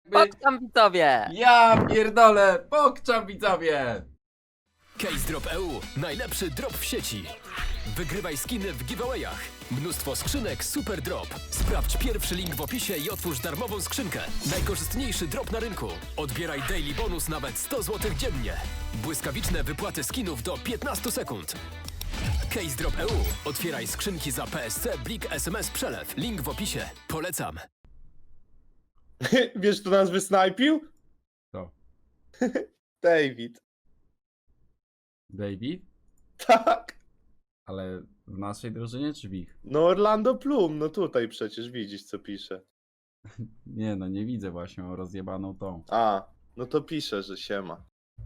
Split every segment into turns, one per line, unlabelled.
Pokczam widzowie!
Ja pierdolę, pokczam widzowie!
CaseDrop.eu. Najlepszy drop w sieci. Wygrywaj skiny w giveawayach. Mnóstwo skrzynek Super Drop. Sprawdź pierwszy link w opisie i otwórz darmową skrzynkę. Najkorzystniejszy drop na rynku. Odbieraj daily bonus nawet 100 zł dziennie. Błyskawiczne wypłaty skinów do 15 sekund. CaseDrop.eu. Otwieraj skrzynki za PSC, Blik, SMS, Przelew. Link w opisie. Polecam.
Wiesz, kto nas wysnajpił?
To.
David.
David?
Tak.
Ale w naszej drużynie czy w ich?
No Orlando Bloom, no tutaj przecież widzisz, co pisze.
Nie no, nie widzę właśnie, mam rozjebaną tą.
A, no to pisze, że siema.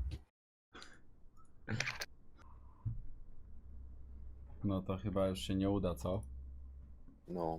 No to chyba już się nie uda, co?
No.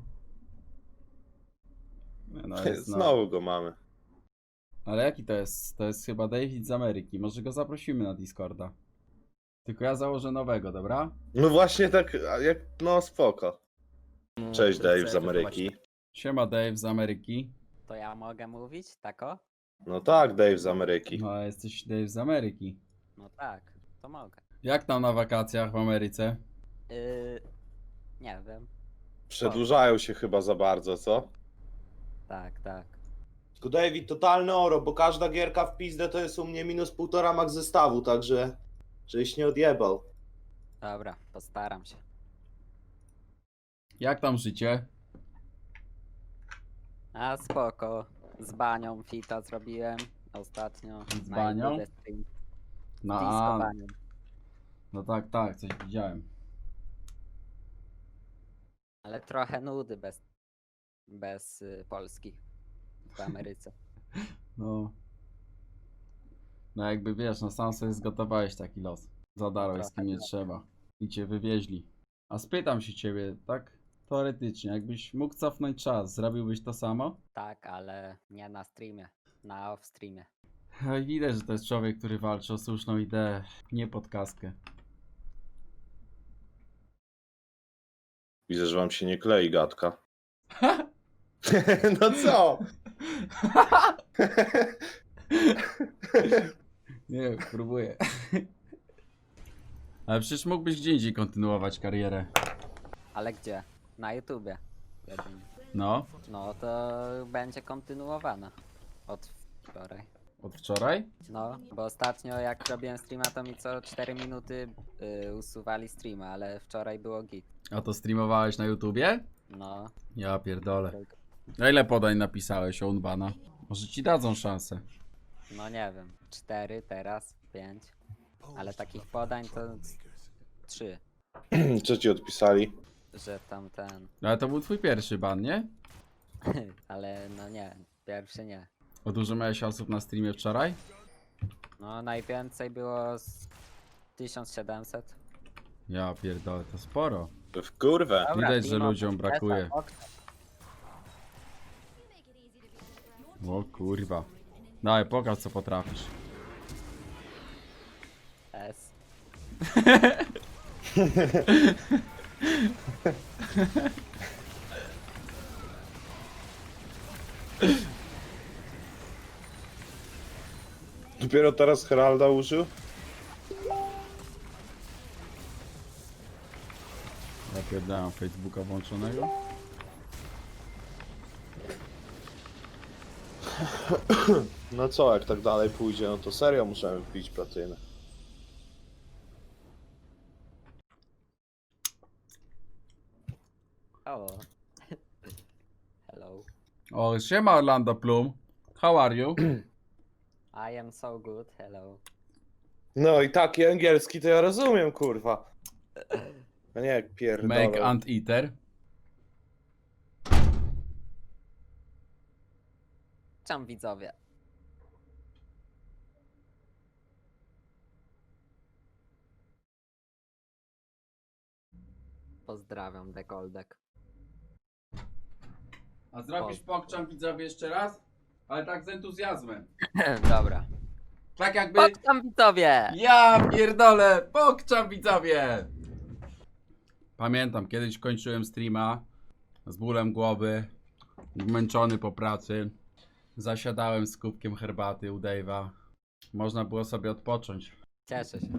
Nie, no jest, no.
Znowu go mamy.
Ale jaki to jest? To jest chyba David z Ameryki. Może go zaprosimy na Discorda. Tylko ja założę nowego, dobra?
No właśnie tak, jak, no spoko. Cześć Dave z Ameryki.
Siema Dave z Ameryki.
To ja mogę mówić, tako?
No tak, Dave z Ameryki.
No a jesteś Dave z Ameryki.
No tak, to mogę.
Jak tam na wakacjach w Ameryce?
Nie wiem.
Przedłużają się chyba za bardzo, co?
Tak, tak.
Tylko David, totalny oro, bo każda gierka w pizdę to jest u mnie minus 1,5 max zestawu, także żeś nie odjebał.
Dobra, postaram się.
Jak tam życie?
A spoko. Z banią fita zrobiłem ostatnio.
Z
na
banią?
YouTube stream.
No,
Disco banią.
no tak, tak, coś widziałem.
Ale trochę nudy bez Polski w Ameryce.
No. No jakby wiesz, no sam sobie zgotowałeś taki los. Zadarłeś z kim nie trzeba. I cię wywieźli. A spytam się ciebie, tak teoretycznie, jakbyś mógł cofnąć czas, zrobiłbyś to samo?
Tak, ale nie na streamie. Na off streamie.
No i widać, że to jest człowiek, który walczy o słuszną ideę, nie pod kaskę.
Widzę, że wam się nie klei gadka. No co?
Nie, próbuję. Ale przecież mógłbyś gdzie indziej kontynuować karierę.
Ale gdzie? Na YouTubie. Jedynie.
No,
No to będzie kontynuowana. Od wczoraj.
od wczoraj?
No, bo ostatnio jak robiłem streama, to mi co 4 minuty usuwali streama, ale wczoraj było git.
A to streamowałeś na YouTubie?
No,
Ja pierdolę. A ile podań napisałeś o Unbana? Może ci dadzą szansę.
no nie wiem. 4 teraz, 5. Ale takich podań to 3,
Co ci odpisali?
że tam ten.
Ale to był twój pierwszy ban, nie?
Ale no nie, pierwszy nie.
O dużo miałeś osób na streamie wczoraj?
No najwięcej było z 1700.
Ja pierdolę, to sporo.
W kurwę.
Dobra,
Widać, że
Timo,
ludziom
Tesa,
brakuje.
Okta.
O kurwa. Daj, pokaż co potrafisz.
S.
Dopiero teraz Heralda użył?
Ja pierdolę, Facebooka włączonego.
No co, jak tak dalej pójdzie, no to serio muszę wbić platynę.
O. Hello.
O, siema Orlando Bloom. How are you?
I am so good, hello.
No i taki angielski to ja rozumiem, kurwa. No nie, jak pierdolę.
Make and eater.
Czam widzowie. Pozdrawiam, Dekoldek.
A zrobisz pokczam widzowie jeszcze raz? Ale tak z entuzjazmem.
Dobra.
Tak jakby...
Pokczam widzowie!
Ja pierdolę, pokczam widzowie! Pamiętam, kiedyś kończyłem streama z bólem głowy, zmęczony po pracy. Zasiadałem z kubkiem herbaty u Dave'a. Można było sobie odpocząć.
Cieszę się.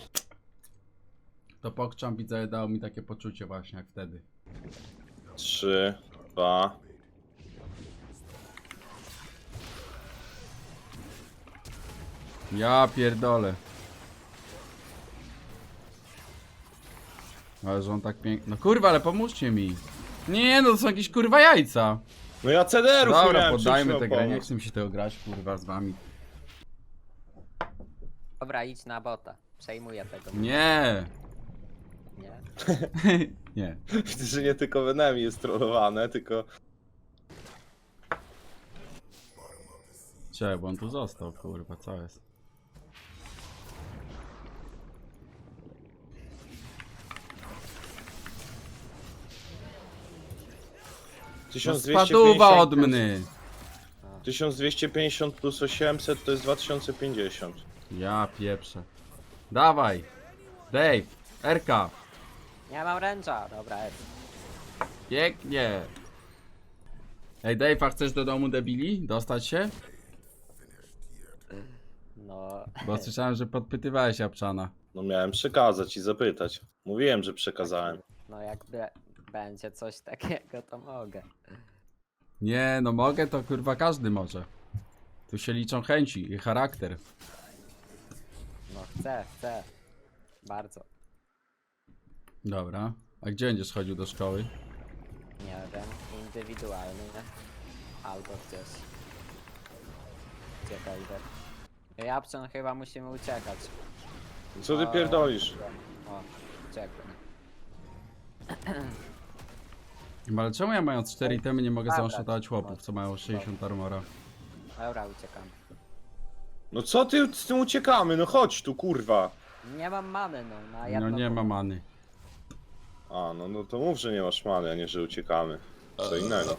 To pokczam widzę, dało mi takie poczucie właśnie jak wtedy.
3, 2.
Ja pierdolę. Ale że on tak pięknie... No kurwa, ale pomóżcie mi. Nie, no to są jakieś kurwa jajca.
No ja CDR-ów nie
Dobra,
miałem,
poddajmy
czym
tę
ci
grę,
mam
nie
pomóc?
chcę mi się tego grać kurwa z wami.
Dobra, idź na bota. Przejmuję tego.
Nie.
Nie.
Nie.
Widzę, że nie tylko Venemi jest trollowane, tylko...
Czekaj, bo on tu został, kurwa, co jest? No
1250,
spaduwa od mny.
1250 plus 800 to jest 2050.
Ja pieprzę. Dawaj. Dave. Erka.
Nie mam ręcza. Dobra, jest.
Pięknie. Ej Dave, a chcesz do domu debili? Dostać się?
No.
Bo słyszałem, że podpytywałeś Japczana.
No miałem przekazać i zapytać. Mówiłem, że przekazałem.
No jakby będzie coś takiego, to mogę.
Nie, no mogę, to kurwa każdy może. Tu się liczą chęci i charakter.
No chcę. Bardzo.
Dobra. A gdzie będziesz chodził do szkoły?
Nie wiem. Indywidualny, nie? Albo gdzieś. Gdzie wejdę. Japczan chyba musimy uciekać.
Co ty
O,
pierdolisz?
O, uciekłem.
Ale czemu ja mając 4 itemy nie mogę
Dobra,
zaoszczędzać chłopów, co mają 60 armora?
Dobra, uciekam.
No co ty z tym uciekamy? No chodź tu, kurwa.
Nie mam many, no. Na
No
jedno
nie ma many.
A, no to mów, że nie masz many, a nie, że uciekamy. Co innego.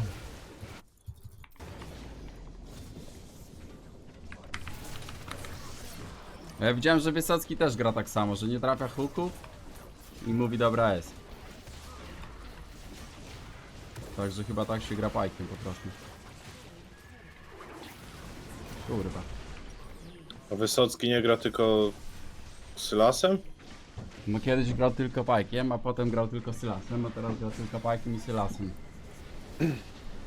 Ja widziałem, że Wysocki też gra tak samo, że nie trafia hooków i mówi dobra jest. Także chyba tak się gra pajkiem po prostu. Kurwa.
A Wysocki nie gra tylko Sylasem?
No kiedyś grał tylko pajkiem, a potem grał tylko Sylasem, a teraz gra tylko pajkiem i Sylasem.